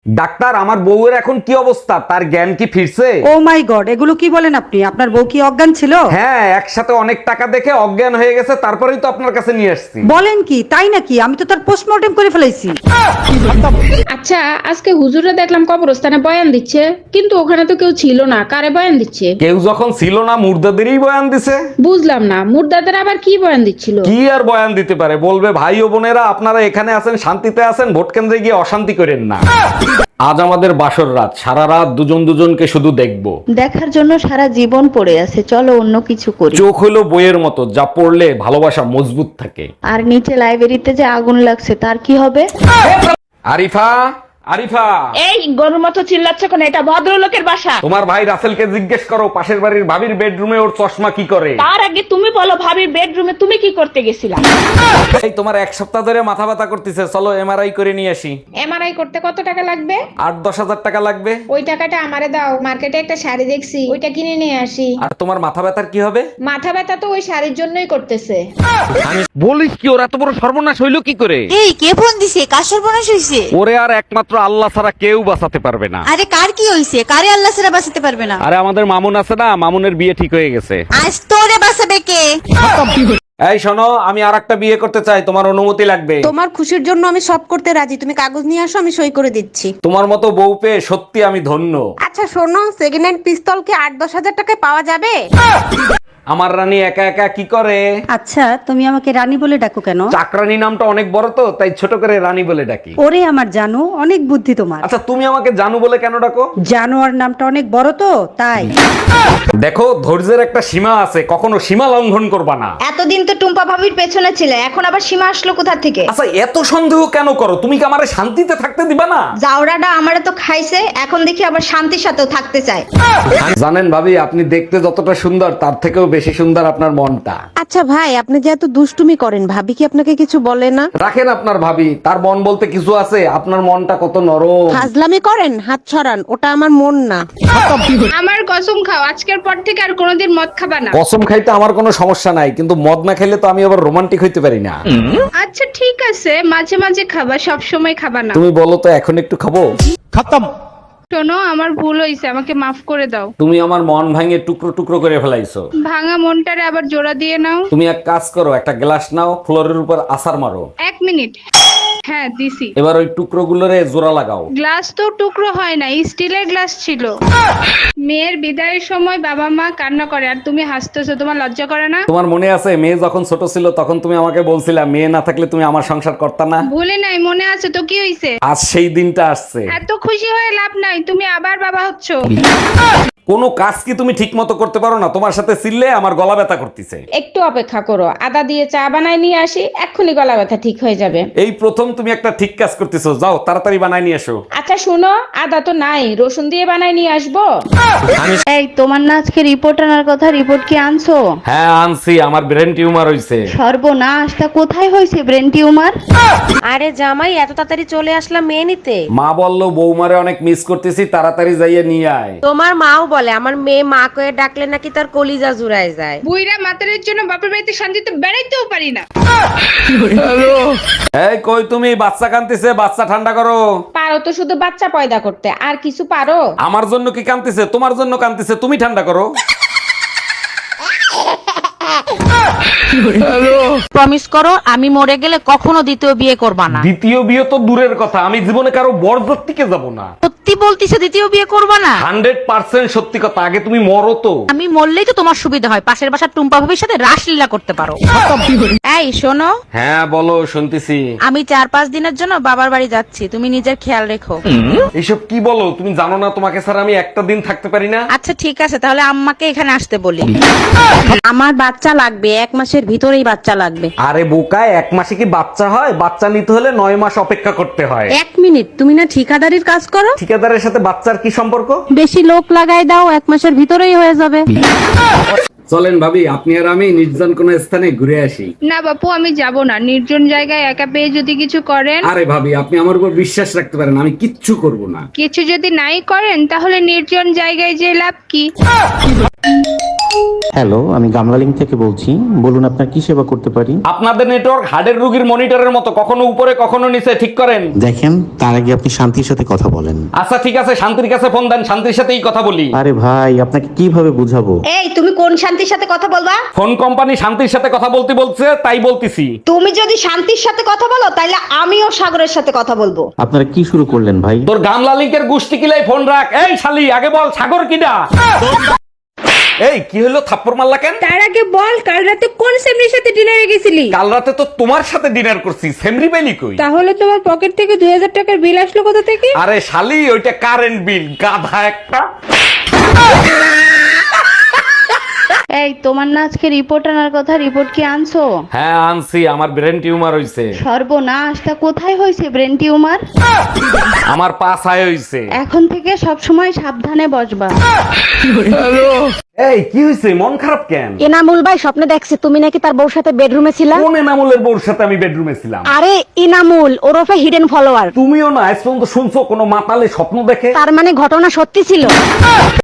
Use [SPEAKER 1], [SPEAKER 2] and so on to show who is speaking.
[SPEAKER 1] Doctor, আমার বউয়ের এখন কি অবস্থা? তার জ্ঞান কি ফিরছে?
[SPEAKER 2] ও মাই গড, এগুলো কি বলেন আপনি? আপনার বউ কি অজ্ঞান ছিল?
[SPEAKER 1] হ্যাঁ, একসাথে অনেক টাকা দেখে অজ্ঞান হয়ে গেছে, তারপরেই তো আপনার কাছে নিয়ে আসছি।
[SPEAKER 2] বলেন কি? তাই নাকি? আমি তো তার পোস্টমর্টেম করে ফেলেছি।
[SPEAKER 3] আচ্ছা, আজকে হুজুরে দেখলাম কবরস্থানে বয়ান দিচ্ছে, কিন্তু ওখানে তো কেউ ছিল না। কারে বয়ান দিচ্ছে?
[SPEAKER 1] কেউ যখন ছিল না, মুর্দাদেরই বয়ান দিছে।
[SPEAKER 3] বুঝলাম না, মুর্দাদের আবার কি বয়ান দিচ্ছিল?
[SPEAKER 1] কি আর বয়ান দিতে পারে? বলবে, ভাই ও বোনেরা, আপনারা এখানে আছেন, শান্তিতে আছেন, ভোট কেন্দ্রে গিয়ে অশান্তি করেন না। আজ আমাদের বাসর রাত, সারা রাত দুজন দুজনকে শুধু দেখবো।
[SPEAKER 4] দেখার জন্য সারা জীবন পড়ে আছে, চলো অন্য কিছু করি।
[SPEAKER 1] চোখ হলো বইয়ের মতো, যা পড়লে ভালোবাসা মজবুত থাকে।
[SPEAKER 4] আর নিচে লাইব্রেরিতে যে আগুন লাগছে তার কি হবে?
[SPEAKER 1] আরিফা, আরিফা,
[SPEAKER 5] এই গরুর মতো চিল্লাচ্ছ কেন? এটা ভদ্রলোকের বাসা।
[SPEAKER 1] তোমার ভাই রাসেলকে জিজ্ঞেস করো, পাশের বাড়ির ভাবির বেডরুমে ওর চশমা কি করে।
[SPEAKER 5] তার আগে তুমি বলো, ভাবির বেডরুমে তুমি কি করতে গেছিলা?
[SPEAKER 1] এই তোমার এক সপ্তাহ ধরে মাথা ব্যথা করতেছে, চলো এমআরআই করে নিয়ে আসি।
[SPEAKER 3] এমআরআই করতে কত টাকা লাগবে?
[SPEAKER 1] 8-10 হাজার টাকা লাগবে।
[SPEAKER 3] ওই টাকাটা আমারে দাও, মার্কেটে একটা শাড়ি দেখছি, ওইটা কিনে নিয়ে আসি।
[SPEAKER 1] আর তোমার মাথা ব্যথার কি হবে?
[SPEAKER 3] মাথা ব্যথা তো ওই শাড়ির জন্যই করতেছে।
[SPEAKER 1] বলিস কি, ওরা এত বড় সর্বনাশ হইলো কি করে?
[SPEAKER 6] এই কে ফোন দিছে? কার সর্বনাশ হইছে?
[SPEAKER 1] ওরে আর একমাত্র আল্লাহ ছাড়া কেউ বাঁচাতে পারবে না।
[SPEAKER 6] আরে কার কি হইছে? কারে আল্লাহ ছাড়া বাঁচাতে পারবে না?
[SPEAKER 1] আরে আমাদের মামুন আছে না, মামুনের বিয়ে ঠিক হয়ে গেছে।
[SPEAKER 6] আজ তোরে বাঁচাবে কে?
[SPEAKER 1] এই শোনো, আমি আর একটা বিয়ে করতে চাই, তোমার অনুমতি লাগবে।
[SPEAKER 2] তোমার খুশির জন্য আমি সব করতে রাজি। তুমি কাগজ নিয়ে আসো, আমি সই করে দিচ্ছি।
[SPEAKER 1] তোমার মতো বউ পেয়ে সত্যি আমি ধন্য।
[SPEAKER 2] আচ্ছা শোনো, সেকেন্ড হ্যান্ড পিস্তল কি 8-10 হাজার টাকায় পাওয়া যাবে?
[SPEAKER 1] আমার রানী একা একা কি করে?
[SPEAKER 2] আচ্ছা, তুমি আমাকে রানী বলে ডাকো কেন?
[SPEAKER 1] চাকরানী নামটা অনেক বড় তো, তাই ছোট করে রানী বলে ডাকি।
[SPEAKER 2] ওরে আমার জানো, অনেক বুদ্ধি তোমার।
[SPEAKER 1] আচ্ছা, তুমি আমাকে জানু বলে কেন ডাকো?
[SPEAKER 2] জানোয়ার নামটা অনেক বড় তো, তাই।
[SPEAKER 1] দেখো, ধৈর্যের একটা সীমা আছে, কখনো সীমা লঙ্ঘন করবা না।
[SPEAKER 7] এতদিন তো টুম্পা ভাবির পেছনে ছিলে, এখন আবার সীমা আসলো কোথা থেকে?
[SPEAKER 1] আচ্ছা, এত সন্দেহ কেন করো? তুমি কি আমারে শান্তিতে থাকতে দিবা না?
[SPEAKER 7] জাউরাটা আমারে তো খাইছে, এখন দেখি আবার শান্তির সাথেও থাকতে চায়।
[SPEAKER 1] জানেন ভাবি, আপনি দেখতে যতটা সুন্দর, তার থেকেও বেশি সুন্দর আপনার মনটা।
[SPEAKER 8] আচ্ছা ভাই, আপনি যে এত দুষ্টুমি করেন, ভাবি কি আপনাকে কিছু বলে না?
[SPEAKER 1] রাখেন আপনার ভাবি, তার মন বলতে কিছু আছে? আপনার মনটা কত নরম।
[SPEAKER 8] ফাজলামি করেন, হাত ছড়ান, ওটা আমার মন না।
[SPEAKER 3] আমার কসম খাও, আজকের পর থেকে আর কোনোদিন মদ খাবা না।
[SPEAKER 1] কসম খাইতে আমার কোনো সমস্যা নাই, কিন্তু মদ না খাইলে তো আমি আবার রোমান্টিক হইতে পারি না।
[SPEAKER 3] আচ্ছা ঠিক আছে, মাঝে মাঝে খাবা, সব সময় খাবা না।
[SPEAKER 1] তুমি বলো তো, এখন একটু খাবো?
[SPEAKER 3] শোনো, আমার ভুল হয়েছে, আমাকে মাফ করে দাও।
[SPEAKER 1] তুমি আমার মন ভাঙে টুকরো টুকরো করে ফেলাইছো।
[SPEAKER 3] ভাঙা মনটারে আবার জোড়া দিয়ে নাও।
[SPEAKER 1] তুমি এক কাজ করো, একটা গ্লাস নাও, ফ্লোরের উপর আছাড় মারো।
[SPEAKER 3] 1 মিনিট। হ্যাঁ দিছি।
[SPEAKER 1] এবার ওই টুকরো গুলোরে জোড়া লাগাও।
[SPEAKER 3] গ্লাস তো টুকরো হয় না, স্টিলের গ্লাস ছিল। মেয়ের বিদায়ের সময় বাবা মা কান্না করে আর তুমি হাসতেছো, তোমার লজ্জা করে না?
[SPEAKER 1] তোমার মনে আছে, মেয়ে যখন ছোট ছিল তখন তুমি আমাকে বলছিলা, মেয়ে না থাকলে তুমি আমার সংসার করতা না।
[SPEAKER 3] ভুলে নাই, মনে আছে তো। কি হইছে?
[SPEAKER 1] আজ সেই দিনটা আসছে।
[SPEAKER 3] এত খুশি হয়ে লাভ নাই, তুমি আবার বাবা হচ্ছো।
[SPEAKER 1] কোনো কাজ কি তুমি ঠিক মতো করতে পারো না? তোমার সাথে চিল্লে আমার গলা ব্যথা করতেছে।
[SPEAKER 3] একটু অপেক্ষা করো, আদা দিয়ে চা বানাই নিয়ে আসি, এক্ষুনি গলা ব্যথা ঠিক হয়ে যাবে।
[SPEAKER 1] এই প্রথম তুমি একটা ঠিক কাজ করতেছো, যাও তাড়াতাড়ি বানাই নিয়ে এসো।
[SPEAKER 3] আচ্ছা শুনো, আদা তো নাই, রসুন দিয়ে বানাই নিয়ে আসবো।
[SPEAKER 4] এই তোমার না আজকে রিপোর্ট আনার কথা, রিপোর্ট কি আনছো?
[SPEAKER 1] হ্যাঁ আনছি, আমার ব্রেন টিউমার হইছে।
[SPEAKER 4] সর্বনাশ, তা কোথায় হয়েছে ব্রেন টিউমার?
[SPEAKER 8] আরে জামাই, এত তাড়াতাড়ি চলে আসলাম মেয়ে নিতে?
[SPEAKER 1] মা বললো বৌমারে অনেক মিস করতেছি, তাড়াতাড়ি যাইয়ে নিয়ে আয়।
[SPEAKER 8] তোমার মাও বলে আমার মেয়ে মা কয়ে ডাকলে নাকি তার কলিজা জুড়ায় যায়।
[SPEAKER 3] বুইরা মাতারের জন্য বাপের বাড়িতে শান্তিতে বেড়াইতেও পারি না।
[SPEAKER 1] এই কই তুমি? বাচ্চা কান্দিছে, বাচ্চা ঠান্ডা করো।
[SPEAKER 3] পারো তো শুধু বাচ্চা পয়দা করতে, আর কিছু পারো?
[SPEAKER 1] আমার জন্য কি কান্দিছে? তোমার জন্য কান্দিছে, তুমি ঠান্ডা করো।
[SPEAKER 5] প্রমিস করো, আমি মরে গেলে কখনো দ্বিতীয় বিয়ে করবা না।
[SPEAKER 1] দ্বিতীয় বিয়ে তো দূরের কথা, আমি জীবনে কারো বরযাত্রীকে যাব না।
[SPEAKER 5] সত্যি বলতিছে দ্বিতীয় বিয়ে করবা না?
[SPEAKER 1] 100% সত্যি কথা। আগে তুমি মরো তো।
[SPEAKER 5] আমি মরলেই তো তোমার সুবিধা হয়, পাশের বাসার টুম্পা ভাবির সাথে রাসলীলা করতে পারো। এই শোনো,
[SPEAKER 1] হ্যাঁ বলো, শুনতেছি।
[SPEAKER 5] আমি 4-5 দিনের জন্য বাবার বাড়ি যাচ্ছি, তুমি নিজের খেয়াল রেখো।
[SPEAKER 1] এইসব কি বলো? তুমি জানো না তোমাকে ছাড়া আমি একটা দিন থাকতে পারি না?
[SPEAKER 5] আচ্ছা ঠিক আছে, তাহলে আম্মাকে এখানে আসতে বলি।
[SPEAKER 8] আমার বাচ্চা লাগবে, 1 মাসের ভিতরেই বাচ্চা লাগবে।
[SPEAKER 1] আরে বোকা, 1 মাসে কি বাচ্চা হয়? বাচ্চা নিতে হলে 9 মাস অপেক্ষা করতে হয়।
[SPEAKER 8] 1 মিনিট, তুমি না ঠিকাদারির কাজ করো?
[SPEAKER 1] ঠিকাদারের সাথে বাচ্চার কি সম্পর্ক?
[SPEAKER 8] বেশি লোক লাগাই দাও, 1 মাসের ভিতরেই হয়ে যাবে।
[SPEAKER 1] চলেন ভাবি, আপনি আর আমি নির্জন কোন স্থানে ঘুরে আসি।
[SPEAKER 3] না বাপু, আমি যাব না। নির্জন জায়গায় একা পেয়ে যদি কিছু করেন।
[SPEAKER 1] আরে ভাবি, আপনি আমার উপর বিশ্বাস রাখতে পারেন, আমি কিচ্ছু করব না।
[SPEAKER 3] কিছু যদি নাই করেন তাহলে নির্জন জায়গায় যে লাভ কি?
[SPEAKER 9] হ্যালো, আমি গামলালিং থেকে বলছি। বলুন আপনার কি সেবা করতে পারি?
[SPEAKER 1] আপনাদের নেটওয়ার্ক হার্টের রোগীর মনিটরের মতো, কখনো উপরে কখনো নিচে, ঠিক করেন।
[SPEAKER 9] দেখেন, তার আগে আপনি শান্তির সাথে কথা বলেন।
[SPEAKER 1] আচ্ছা ঠিক আছে, শান্তির কাছে ফোন দেন, শান্তির সাথেই কথা বলি।
[SPEAKER 9] আরে ভাই, আপনাকে কিভাবে বুঝাবো?
[SPEAKER 7] এই তুমি কোন শান্তির সাথে কথা বলবা?
[SPEAKER 1] ফোন কোম্পানি শান্তির সাথে কথা বলতে বলছে, তাই বলতেছি।
[SPEAKER 7] তুমি যদি শান্তির সাথে কথা বলো তাহলে আমিও সাগরের সাথে কথা বলবো।
[SPEAKER 9] আপনারা কি শুরু করলেন ভাই?
[SPEAKER 1] তোর গামলা লিঙ্কের গুষ্টি কিলাই ফোন রাখ। এই শালি, আগে বল সাগর কিডা? এই কি হলো, থাপ্পড় মারলা কেন?
[SPEAKER 3] তার আগে বল, কাল রাতে কোন সেমরির সাথে ডিনারে গেছিলি?
[SPEAKER 1] কাল রাতে তো তোমার সাথে ডিনার করছি, সেমরি বেলি কই?
[SPEAKER 3] তাহলে তোমার পকেট থেকে 2000 টাকার বিল আসলো কোথা থেকে?
[SPEAKER 1] আরে শালি, ওইটা কারেন্ট বিল, গাধা একটা।
[SPEAKER 4] এই তোমার না আজকে রিপোর্ট আনার কথা, রিপোর্ট কি আনছো?
[SPEAKER 1] হ্যাঁ আনছি, আমার ব্রেন টিউমার হইছে।
[SPEAKER 4] সর্বনাশ, তা কোথায় হয়েছে ব্রেন টিউমার?
[SPEAKER 1] আমার পাছায় হইছে।
[SPEAKER 4] এখন থেকে সব সময় সাবধানে বসবা।
[SPEAKER 1] এই কি হইছে, মন খারাপ কেন?
[SPEAKER 8] এনামুল ভাই স্বপ্নে দেখছে তুমি নাকি তার বউর সাথে বেডরুমে ছিলা।
[SPEAKER 1] কোন এনামুলের বউর সাথে আমি বেডরুমে ছিলাম?
[SPEAKER 8] আরে ইনামুল ওরফে হিডেন ফলোয়ার।
[SPEAKER 1] তুমিও না আজ পর্যন্ত শুনছো কোনো মাতালে স্বপ্ন দেখে?
[SPEAKER 8] তার মানে ঘটনা সত্যি ছিল।